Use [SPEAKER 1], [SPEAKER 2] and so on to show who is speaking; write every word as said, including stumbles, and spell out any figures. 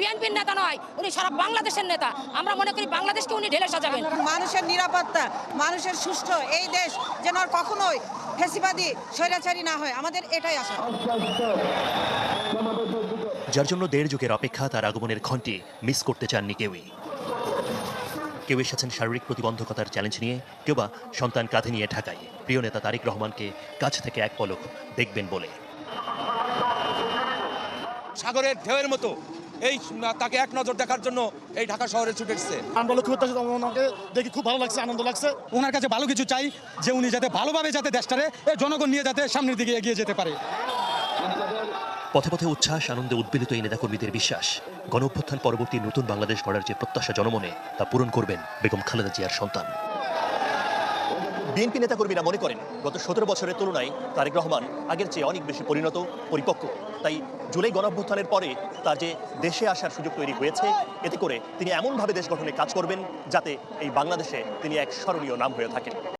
[SPEAKER 1] বিএনপির নেতা নয়, উনি সারা বাংলাদেশের নেতা। আমরা মনে করি বাংলাদেশকে উনি ঢেলে সাজাবেন।
[SPEAKER 2] মানুষের নিরাপত্তা, মানুষের সুষ্ঠু এই দেশ যেন আর কখনোই ফেসিবাদী স্বৈরাচারী না হয়, আমাদের এটাই আশা।
[SPEAKER 3] যার জন্য দেড় যুগের অপেক্ষা, তার আগমনের ঘণ্টি মিস করতে চাননি কেউই। কেউ এসেছেন শারীরিক প্রতিবন্ধকতার চ্যালেঞ্জ নিয়ে, কেউ বা সন্তান কাঁধে নিয়ে ঢাকায় প্রিয় নেতা তারেক রহমানকে কাছ থেকে এক পলক দেখবেন বলে।
[SPEAKER 4] সাগরের ঢেউয়ের মতো এই তাকে এক নজর দেখার জন্য এই ঢাকা শহরে ছুটে এসেছে।
[SPEAKER 5] আমরা লক্ষ্য করতেছি, ওনাকে দেখি খুব ভালো লাগছে, আনন্দ লাগছে।
[SPEAKER 6] ওনার কাছে ভালো কিছু চাই, যে উনি যাতে ভালোভাবে যাতে দেশটারে জনগণ নিয়ে যাতে সামনের দিকে এগিয়ে যেতে পারে।
[SPEAKER 3] পথে পথে উচ্ছ্বাস, আনন্দে উদ্বেলিত এই নেতাকর্মীদের বিশ্বাস, গণঅভ্যুত্থান পরবর্তী নতুন বাংলাদেশ গড়ার যে প্রত্যাশা জনমনে, তা পূরণ করবেন বেগম খালেদা জিয়ার সন্তান। বিএনপি নেতাকর্মীরা মনে করেন, গত সতেরো বছরের তুলনায় তারেক রহমান আগের চেয়ে অনেক বেশি পরিণত, পরিপক্ক। তাই জুলাই গণঅভ্যুত্থানের পরে তার যে দেশে আসার সুযোগ তৈরি হয়েছে, এতে করে তিনি এমনভাবে দেশ গঠনে কাজ করবেন যাতে এই বাংলাদেশে তিনি এক স্মরণীয় নাম হয়ে থাকেন।